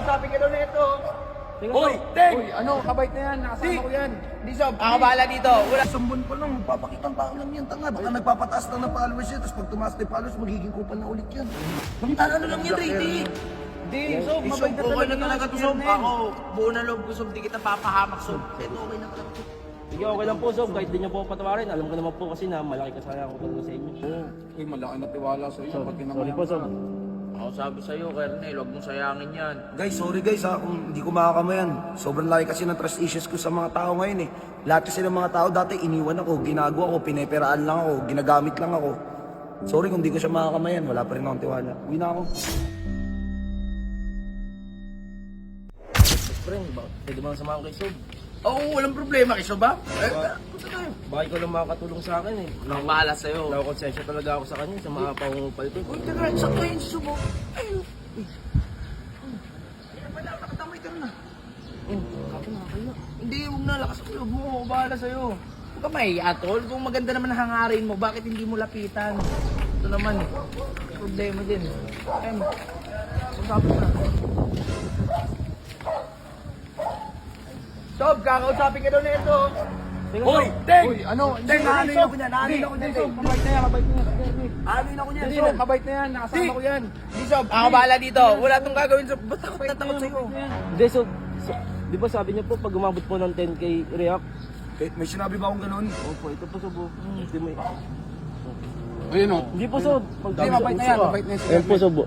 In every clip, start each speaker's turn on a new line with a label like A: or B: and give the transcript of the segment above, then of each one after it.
A: kakausapin ka daw na ito.
B: Hoy, Teng!
C: Uy, ano, kabait na yan, nakasama ko yan.
A: Hindi, Sob. Ako bahala dito. Wala.
B: Isang buwan pa lang, papakitang tao lang yan, tanga. Baka nagpapataas lang ng followers yan, tapos pag tumaas na yung followers, magiging kupal na ulit yan. Ano lang yan, rating?
A: Hindi, Sob.
C: Eh,
A: Mabait
C: Sob,
A: na
C: okay
A: talaga
C: na talaga to,
A: si
C: Sob.
A: Kernel.
C: Ako, buo na loob ko, Sob. Di kita papahamak, Sob. Ito, okay na talaga to.
D: Sige, okay lang po, Sob. Kahit di niyo po patawarin. Alam ko naman po kasi na malaki kasalanan ko talaga sa inyo.
E: Uy, malaki na tiwala sa iyo. Pag
D: Sorry po, Sob.
C: Ako sabi sa'yo, Kernel, huwag mong sayangin yan.
B: Guys, sorry guys ha, kung hindi ko makakamayan. Sobrang laki kasi ng trust issues ko sa mga tao ngayon eh. Lahat kasi ng mga tao dati iniwan ako, ginagawa ko, pineperaan lang ako, ginagamit lang ako. Sorry kung hindi ko siya makakamayan, wala pa rin akong tiwala. Uwi na ako.
D: Best friend, pwede bang samahan kay Sob?
C: Oo, walang problema kay Sob, ha? Punta tayo.
D: Baka ikaw lang makakatulong sa akin eh.
C: Ang bahala sa'yo.
D: Nakakonsensya talaga ako sa kanya sa mga pangungupalito.
C: Uy, teka, sakto yun si Sob, oh. Ayun. Uy. Wala, nakatamay ka na. Hindi, huwag na, lakas ang loob mo. Ako bahala sa'yo. Huwag ka mahiya, tol. Kung maganda naman ang hangarin mo, bakit hindi mo lapitan? Ito naman, problema din. Usapin mo na.
A: Sob, kakausapin ka daw na ito.
B: Hoy, Teng!
C: Uy, ano?
B: Teng, naalin ako niyan, naalin ako niyan, Teng.
C: Mabait na yan, mabait na yan.
B: Naalin ako niyan,
C: Hindi,
B: Sob.
C: mabait na yan. Nakasama ko yan.
A: Hindi, Sob. Ako bahala dito. Wala tong gagawin, Sob.
C: Ba't takot na takot sa'yo?
D: Hindi, Sob. Di ba sabi niyo po pag umabot po ng 10k react?
B: Eh, may sinabi ba akong ganun?
D: Opo, ito po, Sob. Hindi mo
E: Ayun o.
D: Hindi po, Sob. Pag
C: Hindi, mabait na yan. Mabait na yan.
D: Ayun po, Sob.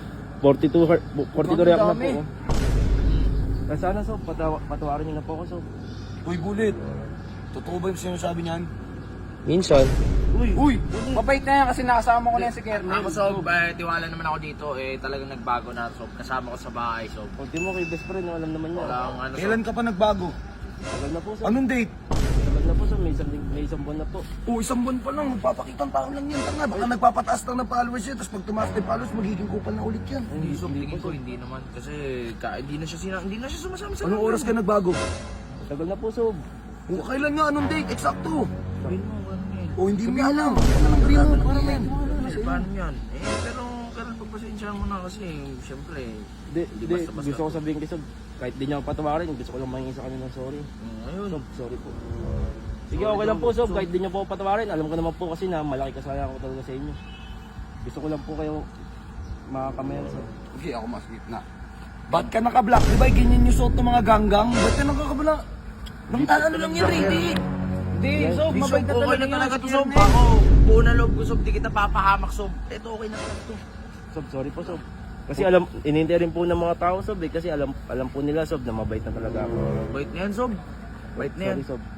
D: 42 react na po. oh. Sana, Sob, patawarin niyo na po ako, Sob.
B: Uy, Bulit. Totoo ba yung sinasabi niyan?
D: Minsan.
C: Uy, mabait na yan kasi nakasama ko na yan si Kernel.
A: Ako, Sob. Tiwala naman ako dito. Talagang nagbago na, Sob. Kasama ko sa bahay, Sob.
D: Kunti mo kay best friend, alam naman niya.
A: Wala akong ano, Sob.
B: Kailan ka pa nagbago?
D: Tagal na po, Sob.
B: Anong date?
D: Tagal na po, Sob. May isang buwan na po.
B: Oo, isang buwan pa lang, magpapakitang tao lang yan, tanga. Baka nagpapataas lang ng followers yan, tapos pag tumaas na yung followers, magiging kupal na ulit yan.
A: Hindi, Sob. Tingin ko, hindi naman. Kasi hindi na siya sumasama sa
B: Anong oras ka nagbago?
D: Tagal na po, Sob.
B: O, kailan nga, anong date? Eksakto.
A: Sabihin mo, ano yan?
B: O, hindi mo alam. Ano lang sabihin mo, para yan.
A: Paano yan? Pero pagpasensyahan mo na kasi, siyempre,
D: Hindi,
A: basta-basta.
D: gusto ko sabihin kay Sob. Kahit di niya ako patawarin, gusto ko lang mahingi sa kanya ng sorry.
A: Ayun.
D: Sob, sorry po. Sige, okay lang po, Sob. Kahit di niyo po ako patawarin, alam ko naman po kasi na malaki kasalanan ko talaga sa inyo. Gusto ko lang po kayo makakamayan, Sob.
E: Okay, ako mas gitna.
B: Ba't ka naka-black? Di ba ganyan yung suot ng mga ganggang? Ba't ka nakaka-black? Ano lang yan, Ray?
A: Hindi, Sob.
C: Sob,
A: Mabait na
C: okay na
A: talaga
C: talaga
A: si
C: to, Sob.
A: Kernel.
C: Ako, buo na loob ko, Sob. Di kita papahamak, Sob. Ito, okay na talaga to.
D: Sob, sorry po, Sob. Kasi inintay rin po ng mga tao, Sob, eh. Kasi alam po nila, Sob, na mabait na talaga ako.
C: Bait na yan, Sob. Bait na yan.
D: Sorry, Sob.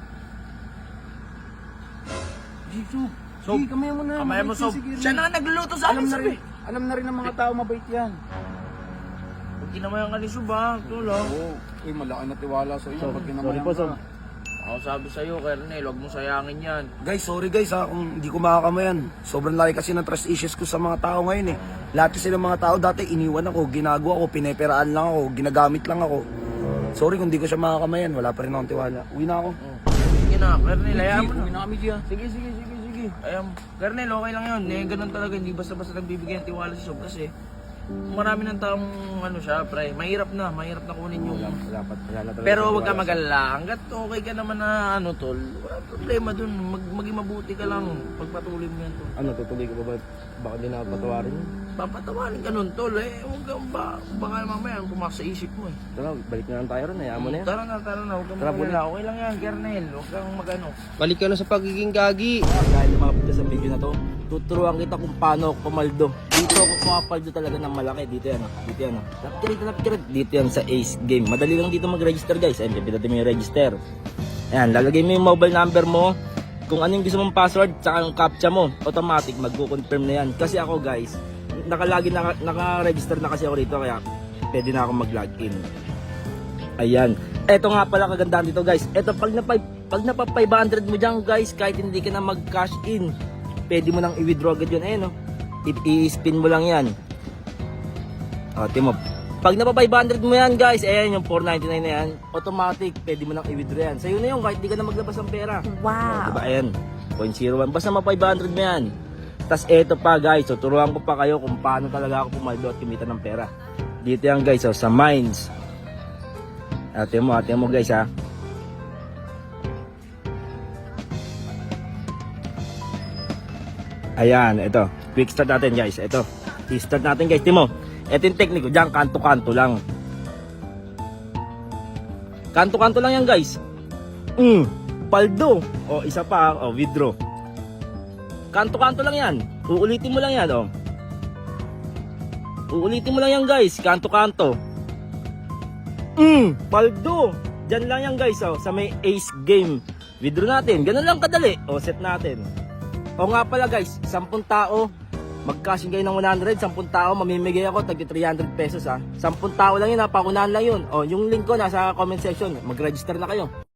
C: Sob.
A: Sob,
C: kamay mo na.
A: Kamay mo,
C: Mabait
A: Sob.
C: yan si Kernel.
A: Siya na nga nagluluto sa akin, Sob.
C: Alam na rin ng mga tao, mabait yan.
A: Huwag kinamayan ka ni Sob, ha? Ito lang.
E: Oo. Uy, malaki na tiwala sa iyo. Pag
D: Sorry
E: kinamayan
D: po,
E: ka.
D: Sob.
A: Ako sabi sa'yo, Kernel, huwag mong sayangin yan.
B: Guys, sorry guys ha, kung hindi ko makakamayan. Sobrang laki kasi ng trust issues ko sa mga tao ngayon eh. Lahat kasi ng mga tao dati iniwan ako, ginagawa ko, pineperaan lang ako, ginagamit lang ako. Sorry kung hindi ko siya makakamayan, wala pa rin akong tiwala. Uwi na ako.
A: Sige na, Kernel, hayaan mo
C: Uwi
A: na.
C: na kami dyan.
A: Sige. Ayun, Kernel, okay lang yun. Ganun talaga, hindi basta-basta nagbibigay ng tiwala si Sob kasi marami ng taong ano siya, pre. Mahirap na kunin yung...
D: Wala na talaga.
A: Pero huwag ka mag-alala. Hanggat okay ka naman na ano, tol, wala problema dun. Maging mabuti ka lang. Pagpatuloy mo yan, tol.
D: Ano, tutuloy ko ba? Baka di na ako patawarin yun.
A: Papatawarin ka nun, tol. Huwag kang baka mamaya pumasok sa isip mo eh.
D: Tara, balik na lang tayo ron. Hayaan mo na yan.
A: Tara na. Huwag kang
D: Tara,
A: mag-alala. Okay lang yan, Kernel. Huwag kang mag-ano.
D: Balik ka na sa pagiging gagi. Dahil lumapit ka sa video na to, tuturuan kita kung paano ako pumaldo. Dito ako pumapaldo talaga ng malaki. Dito yan. Lapkirit. Dito yan sa Ace Game. Madali lang dito mag-register, guys. Ayun, pipindutin mo yung register. Ayan, lalagay mo yung mobile number mo. Kung ano yung gusto mong password, tsaka yung captcha mo, automatic magko-confirm na yan. Kasi ako, guys, naka-register na kasi ako rito, kaya pwede na ako mag-login. Ayan. Eto nga pala kagandahan dito, guys. Eto, pag napa 500 mo dyan, guys, kahit hindi ka na mag-cash in, pwede mo nang i-withdraw agad yun. Ayan, no? I-spin mo lang yan. O, timo. Pag napa 500 mo yan, guys, ayan yung 499 na yan, automatic, pwede mo nang i-withdraw yan. Sa'yo na yun, kahit di ka na maglabas ng pera. Wow. Diba, ayan. 0.01. Basta mapa 500 mo yan. Tas eto pa, guys, tuturuan ko pa kayo kung paano talaga ako pumaldo at kumita ng pera. Dito yan guys, oh, sa mines. Ate mo guys ha. Ayan, ito. Quick start natin guys. Ito. I-start natin guys. Timo. Ito yung technique ko. Diyan, kanto-kanto lang. Kanto-kanto lang yan guys. Paldo. O, isa pa. O, withdraw. Kanto-kanto lang yan. Uulitin mo lang yan. O. Uulitin mo lang yan guys. Kanto-kanto. Paldo. Diyan lang yan guys. O, sa may ace game. Withdraw natin. Ganun lang kadali. O, set natin. O nga pala guys, 10 tao, mag-cashing kayo ng 100, 10 tao, mamimigay ako, tagi 300 pesos ha. 10 tao lang yun ha, paunahan lang yun. O, yung link ko nasa comment section, mag-register na kayo.